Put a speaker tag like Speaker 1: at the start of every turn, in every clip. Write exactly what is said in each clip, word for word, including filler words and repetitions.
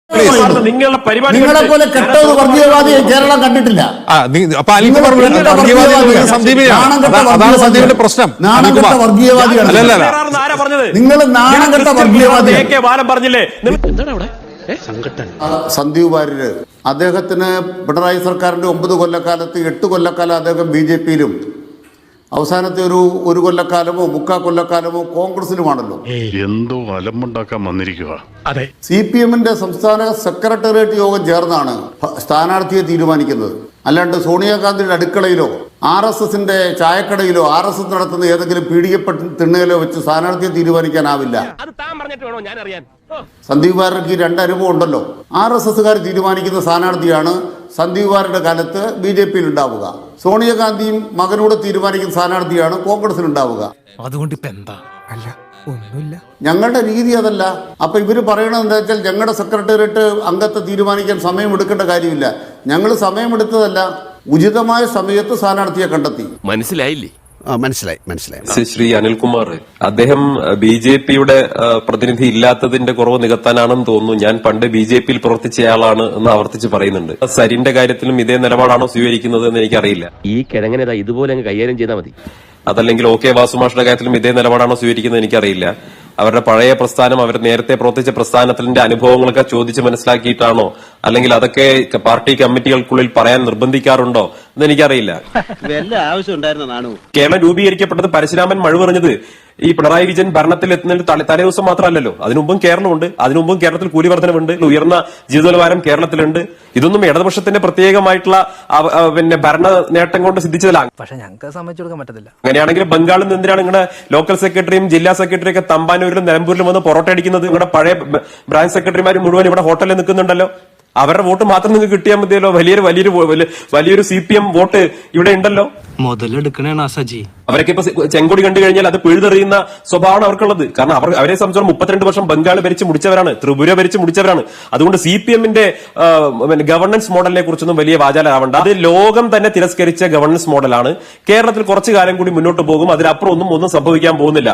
Speaker 1: നിങ്ങളുടെ പരിപാടി
Speaker 2: നിങ്ങളെ പോലെ കെട്ടത് വർഗീയവാദിയെ കേരളം കണ്ടിട്ടില്ല.
Speaker 3: അതാണ് സന്ദീപിന്റെ പ്രശ്നം.
Speaker 2: നാണംകെട്ട വർഗീയവാദിയാണ് നിങ്ങൾ. നാണംകെട്ട വർഗീയവാദിയാണ്
Speaker 1: പറഞ്ഞില്ലേ.
Speaker 2: സന്ദീപ് വാര്യര് അദ്ദേഹത്തിന് പിണറായി സർക്കാരിന്റെ ഒമ്പത് കൊല്ലക്കാലത്ത് എട്ട് കൊല്ലക്കാലം അദ്ദേഹം ബി ജെ പിയിലും അവസാനത്തെ ഒരു ഒരു കൊല്ലക്കാലമോ മുക്കാ കൊല്ലക്കാലമോ കോൺഗ്രസിലുമാണല്ലോ.
Speaker 4: എന്തോ അലമ്പുണ്ടാക്കാൻ വന്നിരിക്കുക.
Speaker 2: സി പി എമ്മിന്റെ സംസ്ഥാന സെക്രട്ടേറിയറ്റ് യോഗം ചേർന്നാണ് സ്ഥാനാർത്ഥിയെ തീരുമാനിക്കുന്നത്. അല്ലാണ്ട് സോണിയാഗാന്ധിയുടെ അടുക്കളയിലോ ആർ എസ് എസിന്റെ ചായക്കടയിലോ ആർ എസ് എസ് നടത്തുന്ന ഏതെങ്കിലും പീഡികപ്പെട്ട തിണ്ണയിലോ വെച്ച് സ്ഥാനാർത്ഥിയെ തീരുമാനിക്കാനാവില്ല. സന്ദീപ് വാര്യർക്ക് രണ്ട് അനുഭവം ഉണ്ടല്ലോ. ആർ എസ് എസുകാർ തീരുമാനിക്കുന്ന സ്ഥാനാർത്ഥിയാണ് സന്ദീപ് വാര്യരുടെ കാലത്ത് ബി ജെ പിയിൽ ഉണ്ടാവുക. സോണിയാഗാന്ധിയും മകനോട് തീരുമാനിക്കുന്ന സ്ഥാനാർത്ഥിയാണ് കോൺഗ്രസിൽ ഉണ്ടാവുക.
Speaker 5: അതുകൊണ്ട് ഇപ്പൊ എന്താ? അല്ല ഒന്നുമില്ല.
Speaker 2: ഞങ്ങളുടെ രീതി അതല്ല. അപ്പൊ ഇവര് പറയണത് എന്താ വെച്ചാൽ ഞങ്ങളുടെ സെക്രട്ടേറിയറ്റ് അംഗത്തെ തീരുമാനിക്കാൻ സമയം എടുക്കേണ്ട കാര്യമില്ല. ഞങ്ങൾ സമയമെടുത്തതല്ല, ഉചിതമായ സമയത്ത് സ്ഥാനാർത്ഥിയെ കണ്ടെത്തി.
Speaker 6: മനസ്സിലായില്ലേ?
Speaker 3: മനസ്സിലായി മനസ്സിലായി
Speaker 6: ശ്രീ അനിൽകുമാർ, അദ്ദേഹം ബി ജെ പിയുടെ പ്രതിനിധി ഇല്ലാത്തതിന്റെ കുറവ് നികത്താനാണെന്ന് തോന്നുന്നു. ഞാൻ പണ്ട് ബി ജെ പിയിൽ പ്രവർത്തിച്ചയാളാണ് എന്ന് ആവർത്തിച്ച് പറയുന്നുണ്ട്. സരിന്റെ കാര്യത്തിലും ഇതേ നിലപാടാണോ സ്വീകരിക്കുന്നത് എന്ന് എനിക്കറിയില്ല.
Speaker 7: ഈ കിഴങ്ങനെ ഇതുപോലെ കൈകാര്യം ചെയ്താൽ മതി.
Speaker 6: അതല്ലെങ്കിൽ ഒ കെ വാസുമാഷിന്റെ കാര്യത്തിലും ഇതേ നിലപാടാണോ സ്വീകരിക്കുന്നത് എനിക്കറിയില്ല. അവരുടെ പഴയ പ്രസ്ഥാനം, അവർ നേരത്തെ പ്രവർത്തിച്ച പ്രസ്ഥാനത്തിന്റെ അനുഭവങ്ങളൊക്കെ ചോദിച്ച് മനസ്സിലാക്കിയിട്ടാണോ, അല്ലെങ്കിൽ അതൊക്കെ പാർട്ടി കമ്മിറ്റികൾക്കുള്ളിൽ പറയാൻ നിർബന്ധിക്കാറുണ്ടോ എന്ന് എനിക്കറിയില്ല. കേരളം രൂപീകരിക്കപ്പെട്ടത് പരശുരാമൻ മഴുവെറിഞ്ഞത് ഈ പിണറായി വിജയൻ ഭരണത്തിൽ എത്തുന്നതിന് തലേ ദിവസം മാത്രമല്ലല്ലോ. അതിനുമുമ്പും കേരളമുണ്ട്. അതിനുമുമ്പും കേരളത്തിൽ കൂലി വർധനവുണ്ട്, ഉയർന്ന ജീവിത നിലവാരം കേരളത്തിലുണ്ട്. ഇതൊന്നും ഇടതുപക്ഷത്തിന്റെ പ്രത്യേകമായിട്ടുള്ള പിന്നെ ഭരണ നേട്ടം കൊണ്ട് സിദ്ധിച്ചതല്ല.
Speaker 5: പക്ഷെ ഞങ്ങൾക്ക് സമ്മതിച്ചു കൊടുക്കാൻ പറ്റത്തില്ല.
Speaker 6: അങ്ങനെയാണെങ്കിൽ ബംഗാളിൽ നിന്ന് എന്തിനാണ് നിങ്ങളുടെ ലോക്കൽ സെക്രട്ടറിയും ജില്ലാ സെക്രട്ടറിയും ഒക്കെ തമ്പാനൂരിലും നിലമ്പൂരിലും വന്ന് പൊറോട്ട അടിക്കുന്നത്? നിങ്ങളുടെ പഴയ ബ്രാഞ്ച് സെക്രട്ടറിമാർ മുഴുവൻ ഇവിടെ ഹോട്ടലിൽ നിൽക്കുന്നുണ്ടല്ലോ. അവരുടെ വോട്ട് മാത്രം നിങ്ങൾക്ക് കിട്ടിയാൽ മതിയല്ലോ. വലിയൊരു വലിയൊരു വലിയൊരു സി പി എം വോട്ട് ഇവിടെ ഉണ്ടല്ലോ.
Speaker 5: മുതലെടുക്കണേ സജി.
Speaker 6: അവരൊക്കെ ഇപ്പൊ ചെങ്കൊടി കണ്ടു കഴിഞ്ഞാൽ അത് പിഴുതെറിയുന്ന സ്വഭാവമാണ് അവർക്കുള്ളത്. കാരണം അവർ അവരെ സംബന്ധിച്ചോളം മുപ്പത്തിരണ്ട് വർഷം ബംഗാൾ ഭരിച്ച് മുടിച്ചവരാണ്, ത്രിപുര ഭരിച്ച് മുടിച്ചവരാണ്. അതുകൊണ്ട് സി പി എമ്മിന്റെ ഗവർണൻസ് മോഡലിനെ കുറിച്ചൊന്നും വലിയ വാചാലാവണ്ട. അത് ലോകം തന്നെ തിരസ്കരിച്ച ഗവർണൻസ് മോഡലാണ്. കേരളത്തിൽ കുറച്ചു കാലം കൂടി മുന്നോട്ട് പോകും. അതിനപ്പുറം ഒന്നും ഒന്നും സംഭവിക്കാൻ പോകുന്നില്ല.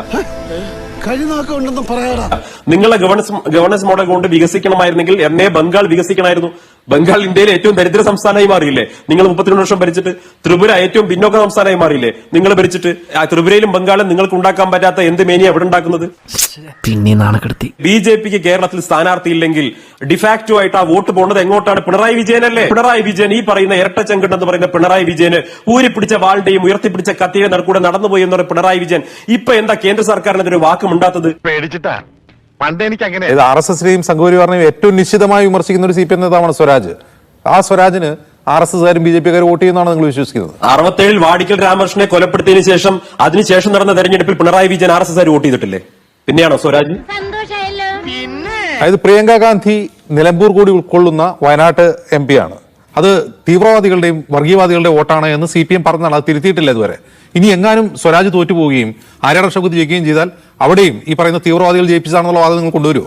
Speaker 6: നിങ്ങളെ ഗവർണൻസ് ഗവർണൻസ് മോഡൽ കൊണ്ട് വികസിക്കണമായിരുന്നെങ്കിൽ എന്നേ ബംഗാൾ വികസിക്കണമായിരുന്നു. ബംഗാൾ ഇന്ത്യയിലെ ഏറ്റവും ദരിദ്ര സംസ്ഥാനമായി മാറിയില്ലേ നിങ്ങൾ മുപ്പത്തിരണ്ട് വർഷം ഭരിച്ചിട്ട്? ത്രിപുര ഏറ്റവും പിന്നോക്ക സംസ്ഥാനമായി മാറിയില്ലേ നിങ്ങൾ ഭരിച്ചിട്ട്? ത്രിപുരയിലും ബംഗാളും നിങ്ങൾക്ക് ഉണ്ടാക്കാൻ പറ്റാത്ത എന്ത് മേനിയ എവിടെ ഉണ്ടാക്കുന്നത്?
Speaker 5: പിന്നെ നാണക്കെടുത്തി.
Speaker 6: ബി ജെ പിക്ക് കേരളത്തിൽ സ്ഥാനാർത്ഥി ഇല്ലെങ്കിൽ ഡിഫാക്റ്റോ ആയിട്ട് ആ വോട്ട് പോകുന്നത് എങ്ങോട്ടാണ്? പിണറായി വിജയനല്ലേ. പിണറായി വിജയൻ, ഈ പറയുന്ന ഇരട്ടച്ചങ്കട്ട് എന്ന് പറയുന്ന പിണറായി വിജയന് ഊരിപ്പിടിച്ച വാളുടെയും ഉയർത്തിപ്പിടിച്ച കത്തിയുടെ നടുക്കൂടെ നടന്നുപോയി എന്ന് പറയുന്ന പിണറായി വിജയൻ ഇപ്പൊ എന്താ കേന്ദ്ര സർക്കാരിനെതിരെ വാക്കുമുണ്ടാത്തത്?
Speaker 4: പേടിച്ചിട്ടാ. പണ്ട് എനിക്ക് അങ്ങനെ
Speaker 3: ആർ എസ് എസിനെയും സംഘപരിവാറിനെയും ഏറ്റവും നിശ്ചിതമായി വിമർശിക്കുന്ന ഒരു സി പി എം നേതാവാണ് സ്വരാജ്. ആ സ്വരാജിന് ആർ എസ് എസുകാരും ബി ജെ പിക്കാരും വോട്ട് ചെയ്യുന്നതാണ് നിങ്ങൾ വിശ്വസിക്കുന്നത്?
Speaker 6: അറുപത്തേഴിൽ വാടിക്കൽ രാമകൃഷ്ണനെ കൊലപ്പെടുത്തിയതിനു ശേഷം അതിനുശേഷം നടന്ന തെരഞ്ഞെടുപ്പിൽ Pinarayi Vijayan R S S vote ചെയ്തിട്ടില്ലേ? പിന്നെയാണോ സ്വരാജ്?
Speaker 3: അതായത് പ്രിയങ്ക ഗാന്ധി നിലമ്പൂർ കൂടി ഉൾക്കൊള്ളുന്ന വയനാട്ട് എം പി ആണ്. അത് തീവ്രവാദികളുടെയും വർഗീയവാദികളുടെയും വോട്ടാണ് എന്ന് സി പി എം പറഞ്ഞാണ്. അത് തിരുത്തിയിട്ടില്ല ഇതുവരെ. ഇനി എങ്ങാനും സ്വരാജ് തോറ്റുപോവുകയും ആര്യാട ഷൗക്കത്ത് ജയിക്കുകയും ചെയ്താൽ അവിടെയും ഈ പറയുന്ന തീവ്രവാദികൾ ജയിപ്പിച്ചാണെന്നുള്ള വാദം നിങ്ങൾ കൊണ്ടുവരുമോ?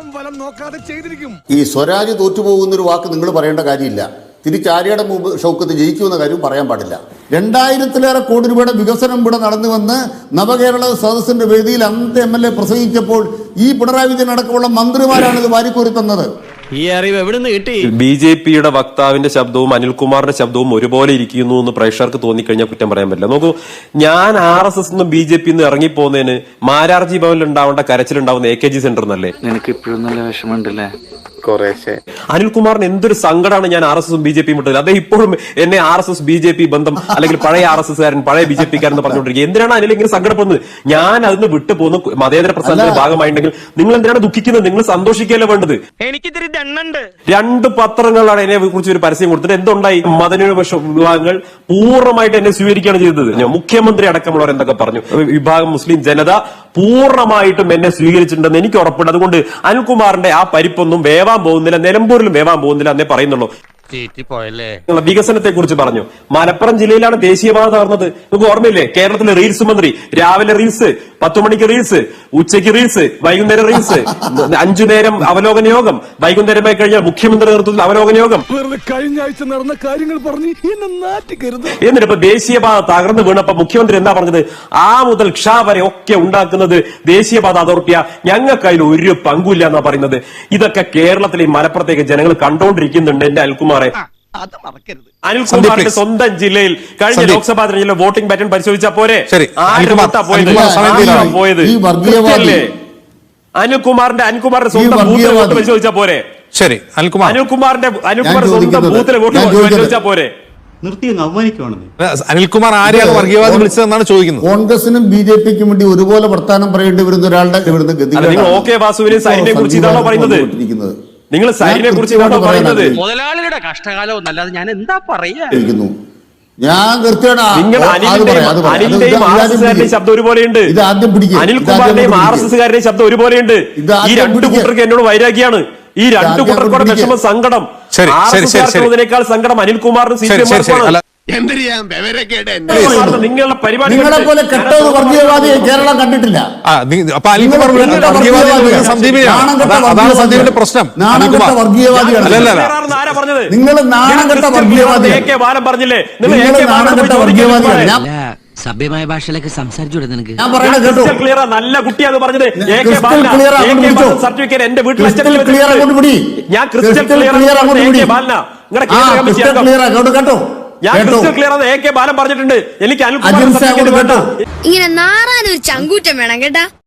Speaker 2: ഈ സ്വരാജ് തോറ്റുപോകുന്നൊരു വാക്ക് നിങ്ങൾ പറയേണ്ട കാര്യമില്ല. തിരിച്ച് ആര്യാട ഷൗക്കത്ത് ജയിക്കുമെന്ന കാര്യം പറയാൻ പാടില്ല. രണ്ടായിരത്തിലേറെ കോടി രൂപയുടെ വികസനം ഇവിടെ നടന്നുവന്ന് നവകേരള സദസ്സിന്റെ വേദിയിൽ അന്നത്തെ എം എൽ എ പ്രസംഗിച്ചപ്പോൾ ഈ പിണറായി വിജയൻ അടക്കമുള്ള മന്ത്രിമാരാണ് ഇത് വാരിക്കോരി തന്നത്.
Speaker 7: ഈ അറിവ് എവിടെ നിന്ന് കിട്ടി?
Speaker 6: ബി ജെ പിയുടെ വക്താവിന്റെ ശബ്ദവും അനിൽകുമാറിന്റെ ശബ്ദവും ഒരുപോലെ ഇരിക്കുന്നു എന്ന് പ്രേക്ഷകർക്ക് തോന്നിക്കഴിഞ്ഞാൽ കുറ്റം പറയാൻ പറ്റില്ല. നോക്കൂ, ഞാൻ ആർ എസ് എസ് നിന്നും ബി ജെ പി നിന്ന് ഇറങ്ങിപ്പോകുന്നതിന് മാരാർജി ഭവനിൽ ഉണ്ടാവേണ്ട കരച്ചിലുണ്ടാവുന്ന എ കെ ജി സെന്റർ എന്നല്ലേ?
Speaker 8: നിനക്ക് ഇപ്പോഴും നല്ല വിഷമമുണ്ടല്ലേ?
Speaker 4: കുറേശ്ശെ.
Speaker 6: അനിൽകുമാറിന് എന്തൊരു സങ്കടമാണ് ഞാൻ ആർ എസ് എസും ബി ജെ പിയും വിട്ടത്. അദ്ദേഹം ഇപ്പോഴും എന്നെ R S S B J P ബന്ധം അല്ലെങ്കിൽ പഴയ ആർ എസ് എസ്കാരൻ പഴയ ബി ജെ പിക്കാരൻ എന്ന് പറഞ്ഞുകൊണ്ടിരിക്കുക. എന്തിനാണ് അനിൽ ഇങ്ങനെ സങ്കടപ്പെടുന്നത്? ഞാൻ അതിന് വിട്ടു പോകുന്ന മതേതര പ്രസ്ഥാനത്തിന്റെ ഭാഗമായിട്ടുണ്ടെങ്കിൽ നിങ്ങൾ എന്തിനാണ് ദുഃഖിക്കുന്നത്? നിങ്ങൾ സന്തോഷിക്കുകയല്ലേ വേണ്ടത്?
Speaker 7: എനിക്കിതിരി ദണ്ണുണ്ട്.
Speaker 6: രണ്ട് പത്രങ്ങളാണ് എന്നെ കുറിച്ച് ഒരു പരസ്യം കൊടുത്തിട്ട് എന്തുണ്ടായി? മതന്യൂനപക്ഷ വിഭാഗങ്ങൾ പൂർണ്ണമായിട്ട് എന്നെ സ്വീകരിക്കുകയാണ് ചെയ്തത്. മുഖ്യമന്ത്രി അടക്കമുള്ളവർ എന്തൊക്കെ പറഞ്ഞു? വിഭാഗം മുസ്ലിം ജനത പൂർണ്ണമായിട്ടും എന്നെ സ്വീകരിച്ചിട്ടുണ്ടെന്ന് എനിക്ക് ഉറപ്പുണ്ട്. അതുകൊണ്ട് അനിൽകുമാറിന്റെ ആ പരിപ്പൊന്നും വേവാൻ പോകുന്നില്ല, നിലമ്പൂരിലും വേവാൻ പോകുന്നില്ല എന്നേ പറയുന്നുള്ളൂ. വികസനത്തെ കുറിച്ച് പറഞ്ഞു. മലപ്പുറം ജില്ലയിലാണ് ദേശീയപാത തകർന്നത്. നിങ്ങൾക്ക് ഓർമ്മയില്ലേ? കേരളത്തിലെ റീൽസ് മന്ത്രി രാവിലെ റീൽസ്, പത്തു മണിക്ക് റീൽസ്, ഉച്ചയ്ക്ക് റീൽസ്, വൈകുന്നേരം റീൽസ്, അഞ്ചു നേരം അവലോകന യോഗം, വൈകുന്നേരമായി കഴിഞ്ഞാൽ മുഖ്യമന്ത്രി നേതൃത്വത്തിൽ അവലോകന യോഗം.
Speaker 5: കഴിഞ്ഞ ആഴ്ച നടന്ന കാര്യങ്ങൾ പറഞ്ഞ് എന്നെ നാറ്റിക്കരുത്.
Speaker 6: എന്നിട്ട് ഇപ്പൊ ദേശീയപാത തകർന്നു വീണപ്പോ മുഖ്യമന്ത്രി എന്താ പറഞ്ഞത്? ആ മുതൽ ക്ഷ വരെ ഒക്കെ ഉണ്ടാക്കുന്നത് ദേശീയപാത അതോറിറ്റിയാ, ഞങ്ങൾക്ക് അതിൽ ഒരു പങ്കുമില്ല എന്നാ പറയുന്നത്. ഇതൊക്കെ കേരളത്തിലെ മലപ്പുറത്തേക്ക് ജനങ്ങൾ കണ്ടോണ്ടിരിക്കുന്നുണ്ട്. എന്റെ അനിൽകുമാറെ, അനിൽകുമാറിന്റെ സ്വന്തം ജില്ലയിൽ കഴിഞ്ഞ ലോക്സഭാ തെരഞ്ഞെടുപ്പിലെ വോട്ടിംഗ് പാറ്റേൺ പരിശോധിച്ചാൽ പോരെ? ആരുടെ വോട്ടാ പോയത്? പോയത് കൃത്യല്ലേ? അനിൽകുമാറിന്റെ അനിൽകുമാറിന്റെ സ്വന്തം ബൂത്തിലെ വോട്ട് പരിശോധിച്ചാൽ പോരെ?
Speaker 3: ശരി, അനിൽകുമാർ
Speaker 6: അനിൽകുമാറിന്റെ അനിൽകുമാറിന്റെ സ്വന്തം ബൂത്തിലെ വോട്ട് പരിശോധിച്ചാൽ പോരെ?
Speaker 3: അനിൽകുമാർ ആരെയാണ് വർഗീയവാദി വിളിച്ചതെന്നാണ് ചോദിക്കുന്നത്.
Speaker 2: കോൺഗ്രസിനും ബി ജെ പിക്കും വേണ്ടി ഒരുപോലെ വർത്താനം പറയേണ്ടി വരുന്ന ഒരാളുടെ ഇവിടുന്ന്
Speaker 6: നിങ്ങൾ ഒ കെ വാസുവിനെ സൈനിനെ കുറിച്ച് ഇതാണോ പറയുന്നത്? നിങ്ങൾ സൈനിനെ കുറിച്ച് ഇതാണോ പറയുന്നത്?
Speaker 7: മുതലാളിയുടെ കഷ്ടകാലം എന്നല്ലാതെ ഞാൻ എന്താ പറയാ?
Speaker 2: ഞാൻ
Speaker 6: നിങ്ങൾ അനിലിന്റെയും അനിലിന്റെയും ആർ എസ് എസുകാരുടെയും ശബ്ദം ഒരുപോലെയുണ്ട്. അനിൽകുമാറിന്റെയും ആർ എസ് എസുകാരുടെയും ശബ്ദം ഒരുപോലെയുണ്ട്. ഈ രണ്ടു കൂട്ടർക്ക് എന്നോട് വൈരാഗ്യാണ്. ഈ രണ്ടു കൂട്ടർക്കൂടെ വിഷമ സങ്കടം. ആർ എസ് എസുകാർക്കുള്ളതിനേക്കാൾ സങ്കടം അനിൽകുമാറിനും സി പി എം. നിങ്ങളുടെ പരിപാടി
Speaker 2: നിങ്ങളെ പോലെ കെട്ടത് വർഗീയവാദിയെ കേരളം കണ്ടിട്ടില്ല.
Speaker 3: അപ്പൊ അനിൽകുമാർ അതാണ് സന്ദീപിന്റെ പ്രശ്നം.
Speaker 2: നാണംകെട്ട വർഗീയവാദിയാണ്.
Speaker 6: ആരാ പറഞ്ഞത്?
Speaker 2: നിങ്ങൾ നാണംകെട്ട വർഗീയവാദിയാണ്.
Speaker 6: എ കെ ബാലൻ പറഞ്ഞില്ലേ?
Speaker 2: നിങ്ങൾ നാണംകെട്ട വർഗീയവാദിയാണ്. ഞാൻ
Speaker 5: സഭ്യമായ ഭാഷയിലേക്ക് സംസാരിച്ചൂടെ നിനക്ക്?
Speaker 2: ഞാൻ പറയുന്നത് കേട്ടോ.
Speaker 6: ക്ലിയർ നല്ല കുട്ടിയാണ് പറഞ്ഞത്. സർട്ടിഫിക്കറ്റ് എന്റെ വീട്ടിൽ
Speaker 2: ക്ലിയർ അങ്ങോട്ട് പിടി.
Speaker 6: ഞാൻ ക്രിസ്റ്റൽ ക്ലിയർ അങ്ങോട്ട് പിടി.
Speaker 2: കേട്ടോ.
Speaker 6: ഞാൻ ക്രിസ്റ്റൽ ക്ലിയർ ആണ് എ കെ ബാലൻ പറഞ്ഞിട്ടുണ്ട്. എനിക്ക് അനിൽകുമാർ
Speaker 2: കേട്ടോ.
Speaker 1: ഇങ്ങനെ നാറാനൊരു ചങ്കൂറ്റം വേണം കേട്ടാ.